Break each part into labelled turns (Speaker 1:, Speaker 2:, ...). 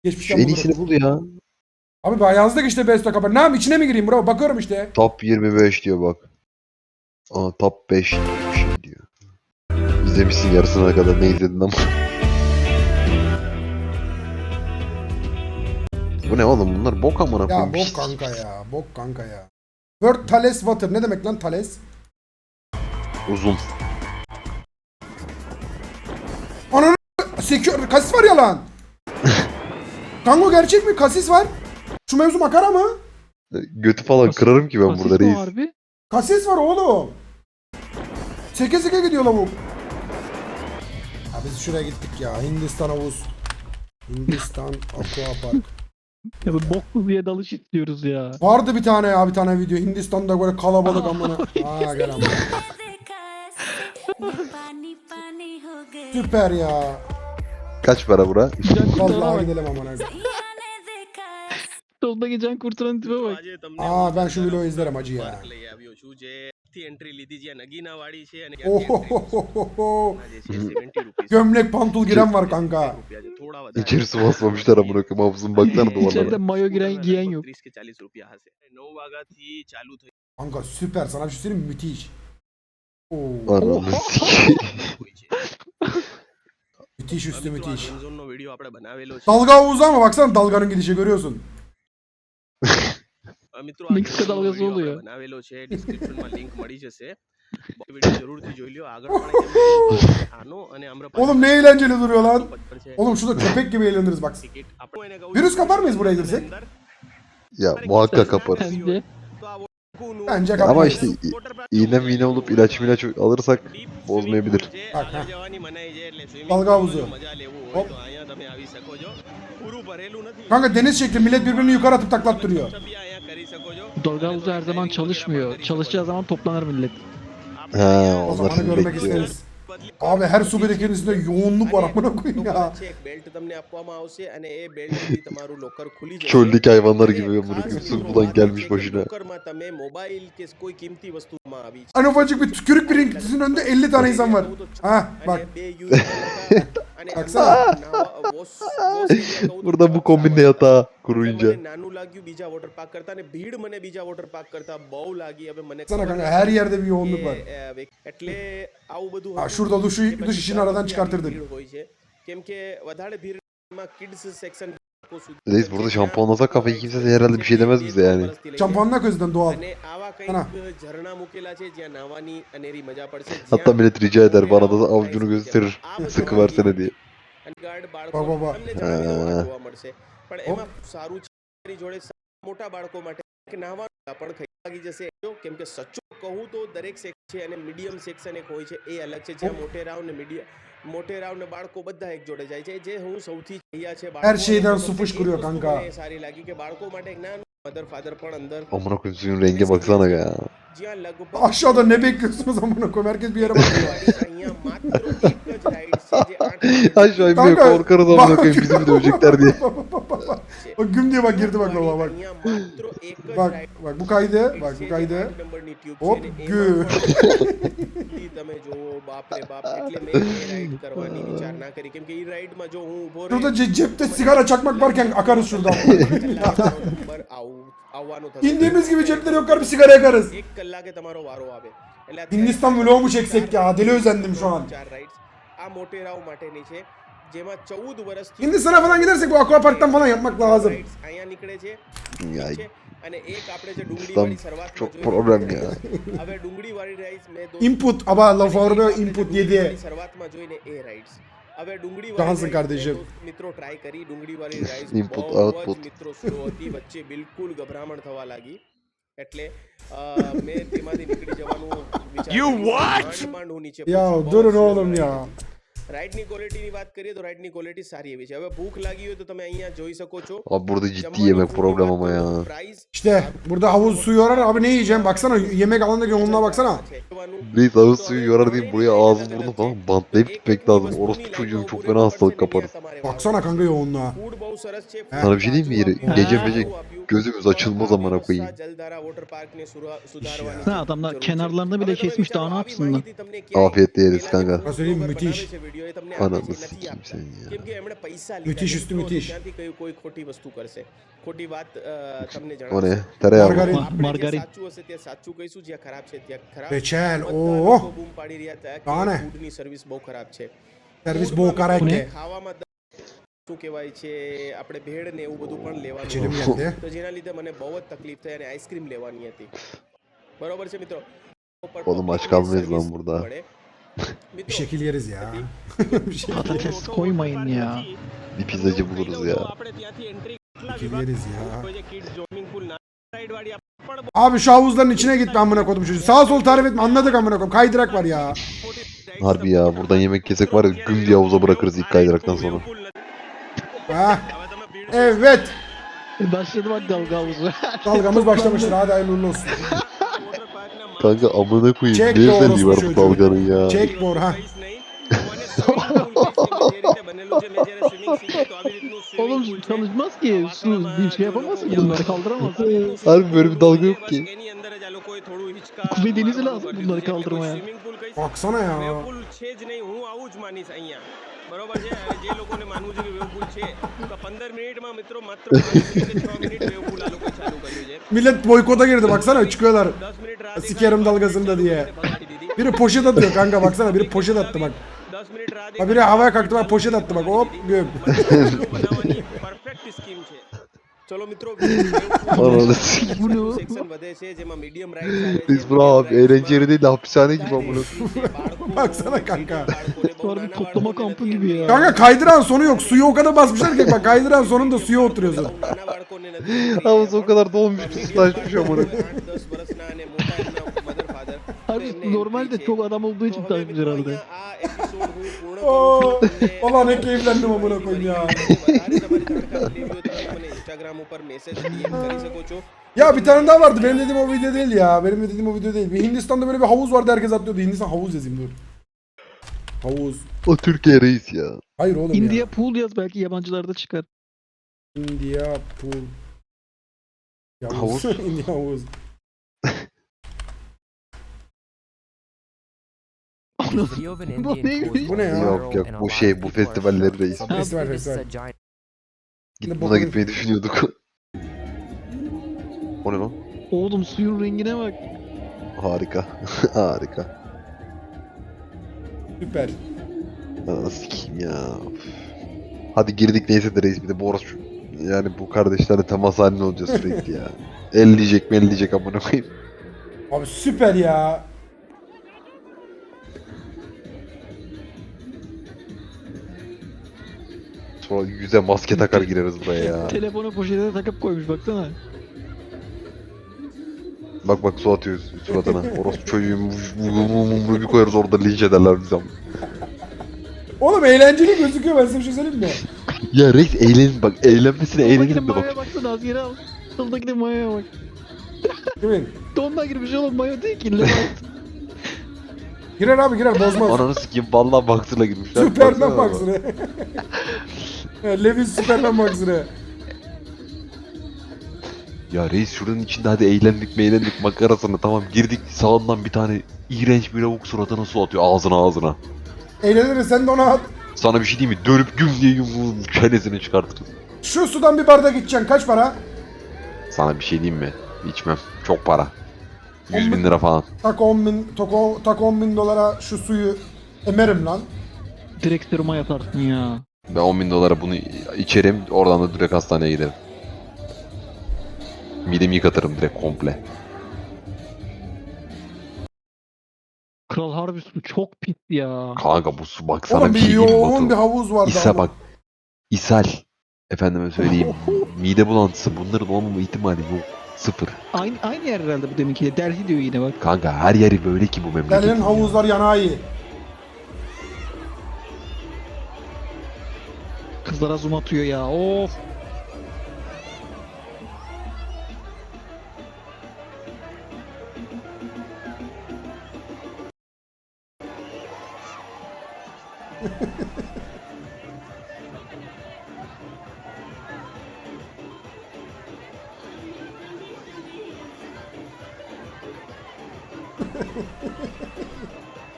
Speaker 1: Şu
Speaker 2: Geçmişten
Speaker 1: en
Speaker 2: bulurum.
Speaker 1: iyisini bul ya.
Speaker 2: Abi ben yazdık işte best kapı. Ne yapayım içine mi gireyim bro? Bakıyorum işte.
Speaker 1: Top 25 diyor bak. Aa top 5 diyor, bir şey diyor. İzlemişsin yarısına kadar, ne izledin ama. Bu ne oğlum, bunlar bok amına
Speaker 2: Ya
Speaker 1: koyayım.
Speaker 2: bok kanka ya. Bok kanka ya. Word Thales Water. Ne demek lan Thales?
Speaker 1: Uzun.
Speaker 2: Ananı sekiyor. Kasis var ya lan. Kanka gerçek mi? Kasis var. Şu mevzu makara mı?
Speaker 1: Götü falan kırarım ki ben
Speaker 3: Kasis
Speaker 1: burada
Speaker 3: mi
Speaker 1: reis.
Speaker 3: harbi?
Speaker 2: Kasis var oğlum. Seke seke gidiyor lavuk. Ya biz şuraya gittik ya. Hindistan havuz. Hindistan Aqua Park.
Speaker 3: Ya bu boklu diye dalış istiyoruz ya.
Speaker 2: Vardı bir tane ya, bir tane video. Hindistan'da böyle kalabalık amına. Aa gel amına. Süper ya.
Speaker 1: Kaç para bura?
Speaker 3: Can kurtarana
Speaker 2: Vallahi
Speaker 3: bak.
Speaker 2: gidelim amına.
Speaker 3: Solda geçen kurtaran tipe bak.
Speaker 2: Aa ben şu videoyu izlerim acı ya. Ohohoho. Gömlek pantul giren var kanka.
Speaker 1: İçerisi basmamışlar amına koyayım, hafızın baksana
Speaker 3: İçeride
Speaker 1: duvarlara.
Speaker 3: mayo giyen yok.
Speaker 2: Kanka süper, sana bir şey söyleyeyim mi? Müthiş. Oo.
Speaker 1: Ananı sikeyim.
Speaker 2: Müthiş üstü müthiş. Dalga havuzu ama baksana dalganın gidişi görüyorsun.
Speaker 3: Meksika dalgası oluyor.
Speaker 2: Oğlum ne eğlenceli duruyor lan. Oğlum şurada köpek gibi eğleniriz bak. Virüs kapar mıyız buraya girsek?
Speaker 1: Ya muhakkak kaparız.
Speaker 3: Bence.
Speaker 2: Bence
Speaker 1: Ama
Speaker 2: kapamayız.
Speaker 1: işte iğne olup ilaç alırsak bozmayabilir.
Speaker 2: Bak ha. Dalga havuzu. Hop. Kanka deniz şekli, millet birbirini yukarı atıp taklattırıyor.
Speaker 3: Dalga havuzu her zaman çalışmıyor. Çalışacağı zaman toplanır millet.
Speaker 1: Ha,
Speaker 2: O
Speaker 1: onlar
Speaker 2: zamanı
Speaker 1: şimdi
Speaker 2: görmek
Speaker 1: bekliyor.
Speaker 2: isteriz. Abi her su birikintisinde yoğunluk var amına koyayım ya.
Speaker 1: Çöldeki hayvanlar gibi amına koyayım, su bulan gelmiş başına.
Speaker 2: Hani ufacık bir tükürük birikintisinin önünde 50 tane insan var. Ha bak. Baksana.
Speaker 1: Burada bu kombinle yatağa kuruyunca.
Speaker 2: Baksana kanka her yerde bir yoğunluk var. Ha, şurada duş işini aradan çıkartırdık.
Speaker 1: Reis burada şampuanlasak kafayı, kimse de herhalde bir şey demez bize yani.
Speaker 2: Şampuanla közden doğal. Ana.
Speaker 1: Hatta millet rica eder, bana da avucunu gösterir. Sıkı versene diye.
Speaker 2: Bak bak bak.
Speaker 1: Ha.
Speaker 2: પણ એમાં સારું છે મારી જોડે મોટા બાળકો માટે કે નાહવાનું પણ ખાઈ જશે કેમ કે સચ્ચું કહું તો દરેક સેક્શન છે અને મીડિયમ સેક્શન એક હોય છે એ અલગ છે જ્યાં મોટેરાવ ને મોટેરાવ ne બાળકો બધા એક જોડે જાય છે જે હું સૌથી અહીંયા છે Her şeyden su fışkırıyor kanka.
Speaker 1: Amına koyayım, suyun renge baksana ya.
Speaker 2: Aşağıda ne bekliyorsunuz amına koyayım? Herkes bir yere bakıyor.
Speaker 1: Aşağı inmiyor,
Speaker 2: Kanka,
Speaker 1: korkarız amına koyayım, bizi mi dövecekler diye.
Speaker 2: Bak güm diye bak girdi bak baba bak. Bak bak bu kaydı. Bak bu kaydı. Hop gü. Şurada cepte sigara çakmak varken akarız şuradan. İndiğimiz gibi cepleri yoklar, bir sigara yakarız. Hindistan vlogu mu çeksek ya? Deli özendim şu an. Hindistan'a falan gidersek bu aquaparktan falan yapmak lazım.
Speaker 1: Ya İslam çok problem ya.
Speaker 2: Input ama laf orada input yedi. Cansın kardeşim.
Speaker 1: Input output.
Speaker 2: You what? Ya durun oğlum ya.
Speaker 4: રાઈડની ક્વોલિટીની વાત કરીએ તો રાઈડની ક્વોલિટી સારી એવી છે. હવે ભૂખ લાગી હોય તો તમે અહીંયા જોઈ શકો છો.
Speaker 1: Abi burada ciddi yemek problem ama ya.
Speaker 2: İşte burada havuz suyu yorar abi, ne yiyeceğim baksana, yemek alanındaki yoğunluğa baksana.
Speaker 1: Reis havuz suyu yorar diyeyim, buraya ağzı burnu falan bantlayıp gitmek lazım. Orospu çocuğum, çok fena hastalık kaparız.
Speaker 2: Baksana kanka yoğunluğa.
Speaker 1: Sana bir şey diyeyim mi yeri? Gece gözümüz açılmaz amına koyayım.
Speaker 3: Ha adamlar kenarlarını bile kesmiş, daha ne yapsınlar?
Speaker 1: Afiyetle yeriz kanka.
Speaker 2: Ben söyleyeyim müthiş. Video એ તમને આપે
Speaker 1: Ananı
Speaker 2: છે નથી
Speaker 1: sikeyim
Speaker 2: આપતા
Speaker 1: sen ya.
Speaker 2: કેમ કે એમણે પૈસા
Speaker 5: müthiş
Speaker 2: લીધા
Speaker 5: üstü
Speaker 2: છે.
Speaker 5: müthiş.
Speaker 2: ત્યાંથી કોઈ ખોટી વસ્તુ કરશે, ખોટી વાત તમને
Speaker 1: O ne?
Speaker 2: જણાવશે.
Speaker 1: Tereyağı mı?
Speaker 5: Margarin.
Speaker 2: આપણે જે
Speaker 3: Margarin.
Speaker 2: સાચું હશે તે સાચું કહીશું, જ્યાં ખરાબ છે ત્યાં ખરાબ.
Speaker 5: Reçel.
Speaker 2: બધા
Speaker 5: Oo.
Speaker 2: લોકો બૂમ પાડી રહ્યા હતા
Speaker 5: Daha
Speaker 2: કે
Speaker 5: ne?
Speaker 2: ફૂડની સર્વિસ બહુ ખરાબ છે.
Speaker 5: Servis
Speaker 2: ફૂડમાં
Speaker 5: bol karate.
Speaker 2: મિત્રો ખાવામાં શું કહેવાય છે, આપણે ભેળ ને એવું બધું પણ લેવાનું
Speaker 5: İçelim
Speaker 2: હતું.
Speaker 5: geldi.
Speaker 2: તો જેના લીધે મને બહુ જ તકલીફ થઈ અને આઈસ્ક્રીમ લેવાની હતી. બરોબર છે મિત્રો.
Speaker 1: Oğlum aç
Speaker 2: પબ્લિકને
Speaker 1: kalmayız
Speaker 2: સર્વિસ
Speaker 1: lan burada.
Speaker 2: મળે.
Speaker 5: Bir
Speaker 2: મિત્રો
Speaker 5: şekil yeriz ya. Bir şekil,
Speaker 3: Patates koymayın ya.
Speaker 1: Bir pizzacı buluruz ya.
Speaker 5: bir şekil yeriz ya. Abi şu havuzların içine gitme amına koydum çocuğu. Sağ sol tarif etme, anladık amına koydum. Kaydırak var ya.
Speaker 1: Harbi ya buradan yemek yesek var ya güm diye havuza bırakırız ilk kaydıraktan sonra.
Speaker 5: Ha. Evet.
Speaker 3: Başladı bak dalga havuzu.
Speaker 5: Dalgamız başlamıştır. Hadi hayırlı uğurlu olsun.
Speaker 1: Kanka amına koyayım
Speaker 5: Çek
Speaker 1: ne
Speaker 5: doğrusu
Speaker 1: özelliği var bu
Speaker 5: çocuğu.
Speaker 1: dalganın ya.
Speaker 5: Çek bor ha.
Speaker 3: Oğlum çalışmaz ki. Su bir şey yapamaz ki, bunları kaldıramaz.
Speaker 1: Harbi böyle bir dalga yok ki.
Speaker 3: Kuzey Denizi lazım bunları kaldırmaya.
Speaker 5: Baksana ya.
Speaker 2: વેવપુલ છે જ નહીં, હું આવું જ માનીશ અહીંયા. બરોબર છે. અને જે લોકોને માનવું છે કે વેવપુલ છે, તો 15 મિનિટમાં મિત્રો માત્ર 5 મિનિટ 6 મિનિટ વેવપુલ આ લોકોએ ચાલુ કર્યું છે.
Speaker 5: Millet boykota girdi baksana çıkıyorlar.
Speaker 2: 10 minute રાહ
Speaker 5: Sikerim dalgasında diye. Biri poşet atıyor kanka baksana, biri poşet attı bak.
Speaker 2: 10 minute રાહ
Speaker 5: Ha biri havaya kalktı bak, poşet attı bak, hop göm.
Speaker 2: બનાવવાની પરફેક્ટ સ્કીમ છે. ચલો મિત્રો,
Speaker 1: Ananı sikeyim.
Speaker 3: Bu ne?
Speaker 2: Section વધે છે જેમાં medium rides આવે છે.
Speaker 1: Biz buna abi eğlence yeri değil de hapishane gibi amına.
Speaker 5: Baksana kanka.
Speaker 3: Harbi toplama kampı gibi ya.
Speaker 5: Kanka kaydıran sonu yok. Suyu o kadar basmışlar ki bak, kaydıran sonunda suya oturuyorsun.
Speaker 2: નાના બાળકોને નથી.
Speaker 1: Havuz o kadar dolmuş ıslaşmış amına.
Speaker 2: 8-10 વર્ષના અને મોટા એમના mother father.
Speaker 3: Abi normalde çok adam olduğu için takmış herhalde.
Speaker 2: આ episode હું પૂર્ણ
Speaker 5: Oo,
Speaker 2: કરું છું.
Speaker 5: valla ne keyiflendim amına koyayım ya.
Speaker 2: વધારે તમારી જાણકારી લેવી હોય તો તમે મને ઇન્સ્ટાગ્રામ ઉપર મેસેજ DM કરી શકો છો.
Speaker 5: Ya bir tane daha vardı. Benim dediğim o video değil ya. Benim dediğim o video değil. Bir Hindistan'da böyle bir havuz vardı, herkes atlıyordu. Hindistan havuz yazayım dur. Havuz.
Speaker 1: O Türkiye reis ya.
Speaker 5: Hayır oğlum
Speaker 3: India
Speaker 5: ya.
Speaker 3: pool yaz, belki yabancılarda çıkar.
Speaker 5: India pool.
Speaker 1: Havuz.
Speaker 5: India havuz.
Speaker 3: Bu neymiş?
Speaker 5: Bu ne ya?
Speaker 1: Yok yok bu şey bu festivalleri reis.
Speaker 5: Festival festival.
Speaker 1: Git buna gitmeyi düşünüyorduk. O ne lan?
Speaker 3: Oğlum suyun rengine bak.
Speaker 1: Harika. Harika.
Speaker 5: Süper.
Speaker 1: Ananı sikeyim ya. Üf. Hadi girdik neyse de reis, bir de bu orospu. Yani bu kardeşlerle temas halinde olacağız sürekli ya. Elleyecek mi elleyecek amına koyayım.
Speaker 5: Abi süper ya.
Speaker 1: Sonra yüze maske takar gireriz buraya ya.
Speaker 3: Telefonu poşete takıp koymuş baksana.
Speaker 1: Bak bak su atıyoruz suratına. Orospu çocuğu bir koyarız orada linç ederler bizi.
Speaker 5: Oğlum eğlenceli gözüküyor, ben size bir şey söyleyeyim mi?
Speaker 1: Ya reis eğlenin bak, eğlenmesine
Speaker 3: Soldakine
Speaker 1: eğlenelim de bak.
Speaker 3: mayoya baksana, az yere al. Soldakine mayoya bak.
Speaker 5: Kimin?
Speaker 3: Donla girmiş oğlum, mayo değil ki. Levant.
Speaker 5: Girer abi girer, bozmaz.
Speaker 1: Ananı sikeyim vallahi baksırla girmişler.
Speaker 5: Süperman
Speaker 1: Baksana
Speaker 5: baksana. Levis Süperman baksana.
Speaker 1: Ya reis şuranın içinde hadi eğlendik makarasını tamam girdik, sağından bir tane iğrenç bir lavuk suratına su atıyor ağzına.
Speaker 5: Eğleniriz, sen de ona at.
Speaker 1: Sana bir şey diyeyim mi? Dönüp güm diye çenesini çıkartırız.
Speaker 5: Şu sudan bir bardak içeceksin, kaç para?
Speaker 1: Sana bir şey diyeyim mi? İçmem. Çok para. 100.000 lira falan.
Speaker 5: Tak 10 bin, tak 10 bin dolara şu suyu emerim lan.
Speaker 3: Direkt seruma yatarsın ya.
Speaker 1: Ben 10.000 dolara bunu içerim, oradan da direkt hastaneye giderim. Midemi yıkatırım direkt komple.
Speaker 3: Kral harbi su çok pis ya.
Speaker 1: Kanka bu su bak sana
Speaker 5: Oğlum
Speaker 1: bir
Speaker 5: bir
Speaker 1: şey diyeyim mi
Speaker 5: yoğun bir
Speaker 1: Batu?
Speaker 5: havuz vardı.
Speaker 1: İsa
Speaker 5: ama.
Speaker 1: bak. İshal. Efendime söyleyeyim. Mide bulantısı, bunların olmama ihtimali yok. Sıfır.
Speaker 3: Aynı yer herhalde bu deminki. Delhi diyor yine bak.
Speaker 1: Kanka her yeri böyle ki bu memleketin.
Speaker 5: Delhi'nin havuzlar yanağı iyi.
Speaker 3: Kızlara zoom atıyor ya. Of.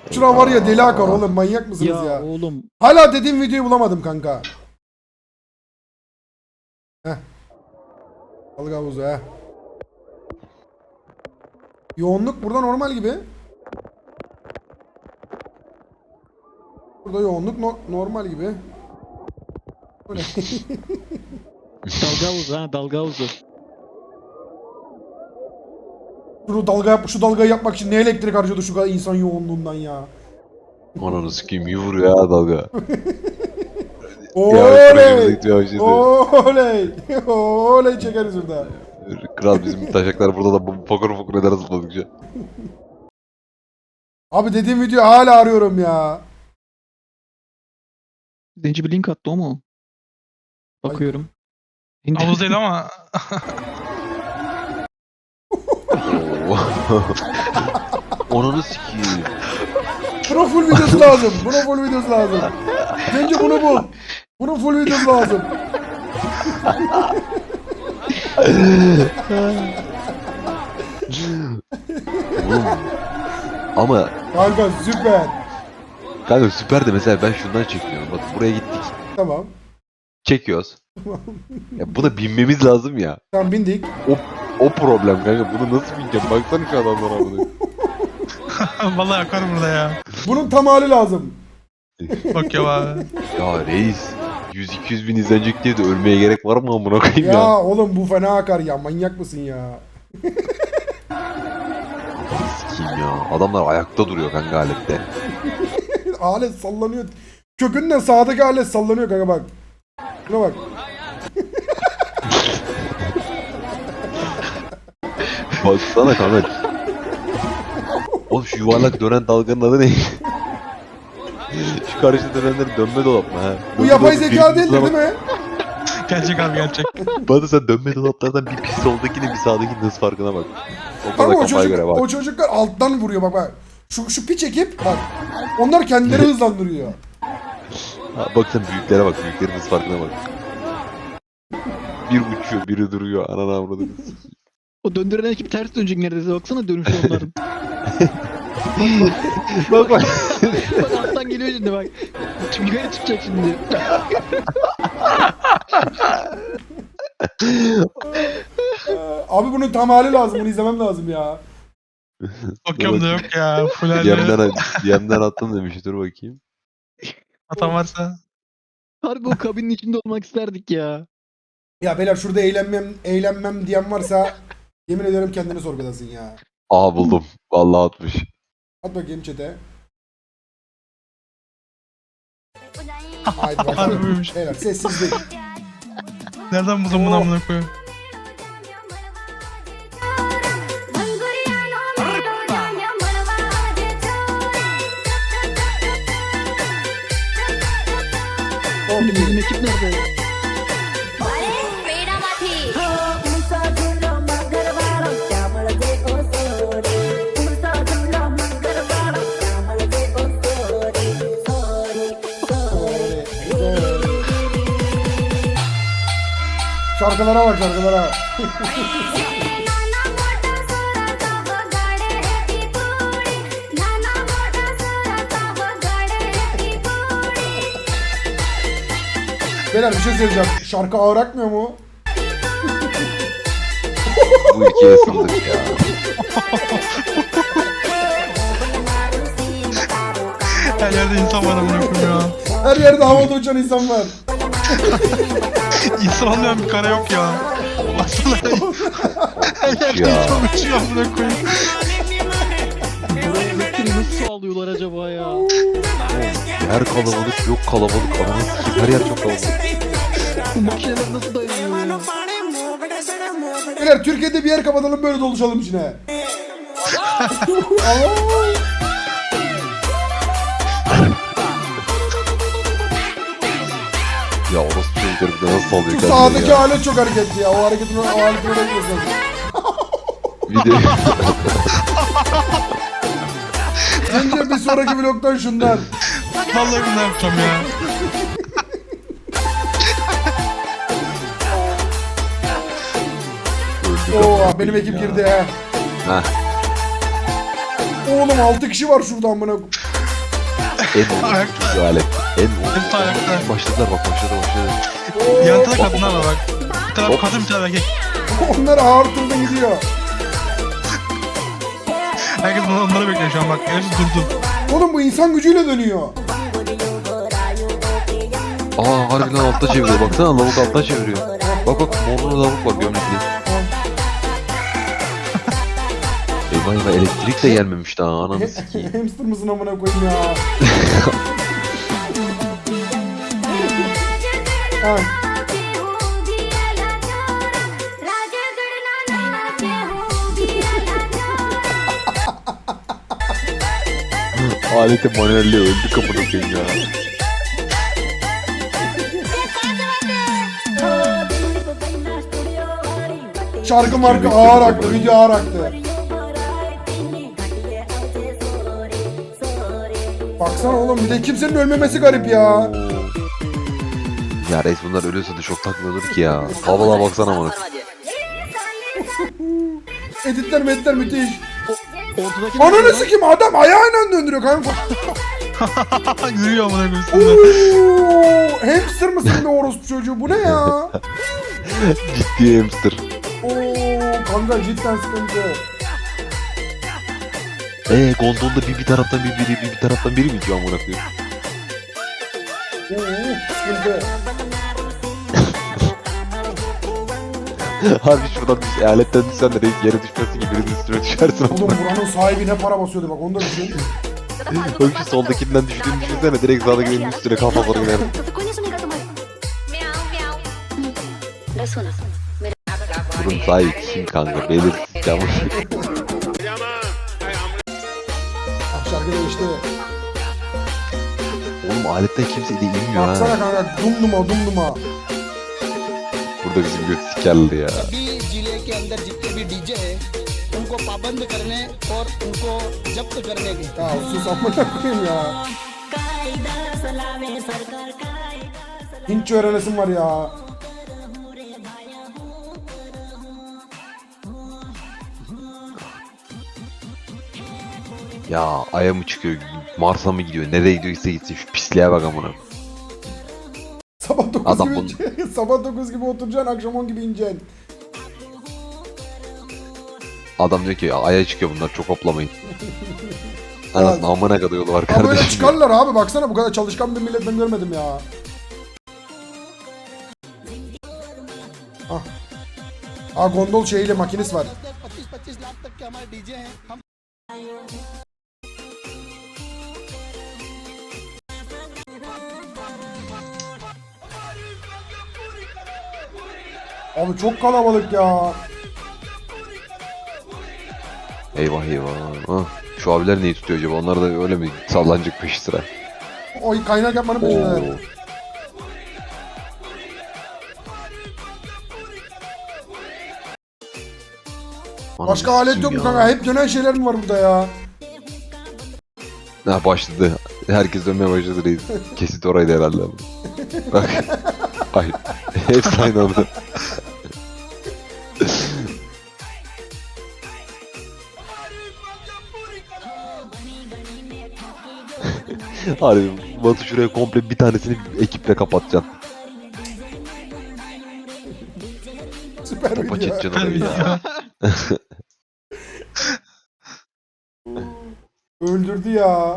Speaker 5: Şura var ya deli akar oğlum, manyak mısınız
Speaker 3: Ya,
Speaker 5: ya?
Speaker 3: oğlum.
Speaker 5: Hala dediğim videoyu bulamadım kanka. Heh. Balık havuzu he. Yoğunluk burada normal gibi. Burada yoğunluk normal gibi. Bu ne?
Speaker 3: Dalga havuzu ha, dalga havuzu.
Speaker 5: Şu dalgayı yapmak için ne elektrik harcadı şu kadar insan yoğunluğundan ya.
Speaker 1: Ananı sikeyim iyi vuruyor ya dalga.
Speaker 5: Oley!
Speaker 1: Yavaşladı.
Speaker 5: Oley! Oley çekeriz burada.
Speaker 1: Kral bizim taşaklar burada da fokur fokur eder zıpladıkça.
Speaker 5: Abi dediğim video hala arıyorum ya.
Speaker 3: Zenci bir link attı o mu? Bakıyorum.
Speaker 6: Havuz değil ama.
Speaker 1: Ananı sikeyim.
Speaker 5: Buna full videosu lazım. Buna full videosu lazım. Bence bunu bul. Bunun full videosu lazım.
Speaker 1: Oğlum. Ama
Speaker 5: Kanka süper.
Speaker 1: kanka süper de mesela ben şundan çekiyorum. Bak buraya gittik.
Speaker 5: Tamam.
Speaker 1: Çekiyoruz. Ya buna binmemiz lazım ya.
Speaker 5: Tamam bindik.
Speaker 1: O problem kanka. Bunu nasıl bineceğim? Baksana şu adamlara bunu.
Speaker 6: Vallahi yakar burada ya.
Speaker 5: Bunun tam hali lazım.
Speaker 6: Bak ya abi.
Speaker 1: Ya reis. 100-200 bin izlenecek diye de ölmeye gerek var mı amına koyayım
Speaker 5: Ya,
Speaker 1: ya?
Speaker 5: oğlum bu fena akar ya. Manyak mısın ya?
Speaker 1: Sikeyim ya. Adamlar ayakta duruyor kanka alette.
Speaker 5: Alet sallanıyor. Kökünden sağdaki alet sallanıyor kanka bak. Şuna bak.
Speaker 1: Baksana kanka. Oğlum şu yuvarlak dönen dalganın adı ne? Şu karşıda dönenleri dönme dolap mı ha?
Speaker 5: Bu yapay zeka değildir değil mi?
Speaker 6: Gerçek abi gerçek.
Speaker 1: Bana sen dönme dolaplardan bir pis soldakine bir sağdaki hız farkına bak. O kadar
Speaker 5: Kanka
Speaker 1: kafaya göre bak.
Speaker 5: o çocuklar alttan vuruyor bak bak. Şu piç ekip bak. Onlar kendileri hızlandırıyor.
Speaker 1: Ha, bak sen büyüklere bak. Büyüklerin hız farkına bak. Bir uçuyor, biri duruyor. Ananı avradını.
Speaker 3: O döndüren ekip ters dönecek neredeyse, baksana dönüşü onların.
Speaker 1: Bak bak.
Speaker 3: Bak alttan geliyor şimdi bak. Yukarı çıkacak şimdi.
Speaker 5: Abi bunun tam hali lazım. Bunu izlemem lazım ya.
Speaker 6: Bakıyorum da yok ya. Full halde.
Speaker 1: Yemden attım demiş. Dur bakayım.
Speaker 6: Hata varsa.
Speaker 3: Harbi o kabinin içinde olmak isterdik ya.
Speaker 5: Ya beyler şurada eğlenmem diyen varsa yemin ederim kendini sorgulasın ya.
Speaker 1: Aa buldum. Vallahi atmış.
Speaker 5: At bakayım chat'e. Haydi bakalım.
Speaker 6: Harbiymiş.
Speaker 5: Beyler sessizlik.
Speaker 6: Nereden buldun bunu amına koyayım?
Speaker 3: Şimdi bizim ekip nerede?
Speaker 5: Şarkılara bak şarkılara. Beyler bir şey söyleyeceğim. Şarkı ağır akmıyor mu?
Speaker 1: Bu ikiye ısındık ya.
Speaker 6: Her yerde insan var amına koyayım ya.
Speaker 5: Her yerde havada uçan insan var.
Speaker 6: İnsan olmayan bir kare yok ya. Baksana. Her yerde
Speaker 1: Ya.
Speaker 6: insan uçuyor amına koyayım.
Speaker 3: Buraya elektriği nasıl sağlıyorlar acaba ya?
Speaker 1: Her kalabalık yok kalabalık. Ananı sikeyim. Her yer çok kalabalık.
Speaker 3: Bu makineler nasıl dayanıyor?
Speaker 5: Beyler Türkiye'de bir yer kapatalım böyle doluşalım içine.
Speaker 1: Ya orası çocukları bir de nasıl sallıyor
Speaker 5: Şu
Speaker 1: kendini
Speaker 5: sağdaki
Speaker 1: ya.
Speaker 5: alet çok hareketli ya. O hareketini da yapıyorsun.
Speaker 1: Bir de
Speaker 5: Önce bir sonraki vlogdan şundan.
Speaker 6: Vallahi bunu yapacağım ya.
Speaker 5: Oo benim ekip girdi ha.
Speaker 1: Heh.
Speaker 5: Oğlum 6 kişi var şurada amına.
Speaker 1: En
Speaker 6: Ayakta.
Speaker 1: alet.
Speaker 6: Hepsi ayakta.
Speaker 1: Başladılar bak başladı.
Speaker 6: Yan tarafta kadınlar var bak. Bir taraf kadın bir taraf erkek.
Speaker 5: Onlar ağır turda gidiyor.
Speaker 6: Herkes onları bekliyor şu an bak. Hepsi durdu.
Speaker 5: Oğlum bu insan gücüyle dönüyor.
Speaker 1: Aa harbiden altta çeviriyor. Baksana lavuk alttan çeviriyor. Bak bak morlu lavuk var gömlekli. Eyvah eyvah elektrik de gelmemiş daha ananı sikeyim.
Speaker 5: Hamster mısın amına koyayım ya. Ha.
Speaker 1: Aleti manuelle öldü kapını koyayım ya.
Speaker 5: Şarkı marka ağır aktı, video ağır aktı. Baksana oğlum bir de kimsenin ölmemesi garip ya.
Speaker 1: Ya reis bunlar ölüyorsa da çok takmıyordur ki ya. Havalara baksana bana.
Speaker 5: Editler meditler müthiş.
Speaker 3: Ortadaki
Speaker 5: Ananı sikeyim adam ayağıyla döndürüyor kanka.
Speaker 6: Yürüyor amına koyayım üstünde.
Speaker 5: Oo, hamster mısın be orospu çocuğu bu ne ya?
Speaker 1: Ciddi hamster.
Speaker 5: Oo kanka cidden sıkıntı.
Speaker 1: Gondolda bir taraftan bir taraftan biri mi diyor amına koyayım?
Speaker 5: Oo sıkıntı.
Speaker 1: Harbi şuradan bir aletten düşsen de reis yere düşmesin gibi birinin üstüne düşersin.
Speaker 5: Oğlum buranın sahibi ne para basıyordu bak onu da düşün.
Speaker 1: Bak şu soldakinden düştüğünü düşünsene direkt sağdakinin üstüne kafa doğru gider.
Speaker 7: तो कोई नहीं सुनेगा तुम्हारी म्याऊं म्याऊं बस सुनो मेरे
Speaker 1: Bunun sahibi kim kanka belirsiz ya.
Speaker 5: Bak şarkı değişti.
Speaker 1: Oğlum aletten kimse de inmiyor ha.
Speaker 5: Baksana kanka dumduma.
Speaker 1: Burada bizim göt sikerli ya.
Speaker 8: सभी जिले के अंदर जितने भी डीजे हैं उनको पाबंद करने और उनको जब्त करने के
Speaker 5: Ya sus amına koyayım ya. Hintçe öğrenesim var ya.
Speaker 1: Ya Ay'a mı çıkıyor, Mars'a mı gidiyor, nereye gidiyorsa gitsin şu pisliğe bak amına.
Speaker 5: Sabah 9
Speaker 1: Adam
Speaker 5: gibi
Speaker 1: bunu-
Speaker 5: sabah 9 gibi oturacaksın, akşam 10 gibi ineceksin.
Speaker 1: Adam diyor ki Ay'a çıkıyor bunlar çok hoplamayın. Anasını amına kadar yolu var
Speaker 5: Ama böyle
Speaker 1: kardeşim.
Speaker 5: çıkarlar abi baksana bu kadar çalışkan bir millet ben görmedim ya. Ah gondol şeyiyle makinesi var.
Speaker 8: 25-25 लाख तक के हमारे डीजे हैं हम
Speaker 5: Abi çok kalabalık ya.
Speaker 1: Eyvah eyvah. Ah, şu abiler neyi tutuyor acaba? Onlar da öyle mi sallanacak peşi sıra?
Speaker 5: Oy kaynak yapmanın peşindeler.
Speaker 1: Oo.
Speaker 5: Başka
Speaker 1: Ananı
Speaker 5: alet yok mu
Speaker 1: sikeyim
Speaker 5: kanka? Hep dönen şeyler mi var burada ya?
Speaker 1: Ha başladı. Herkes dönmeye başladı reis. Kesit oraydı herhalde. Bak. Ay. Hepsi aynı anda. Harbi Batu şuraya komple bir tanesini ekiple kapatacaksın.
Speaker 5: Süper
Speaker 1: Topa
Speaker 5: video.
Speaker 1: çekeceksin orayı ya.
Speaker 5: Öldürdü ya.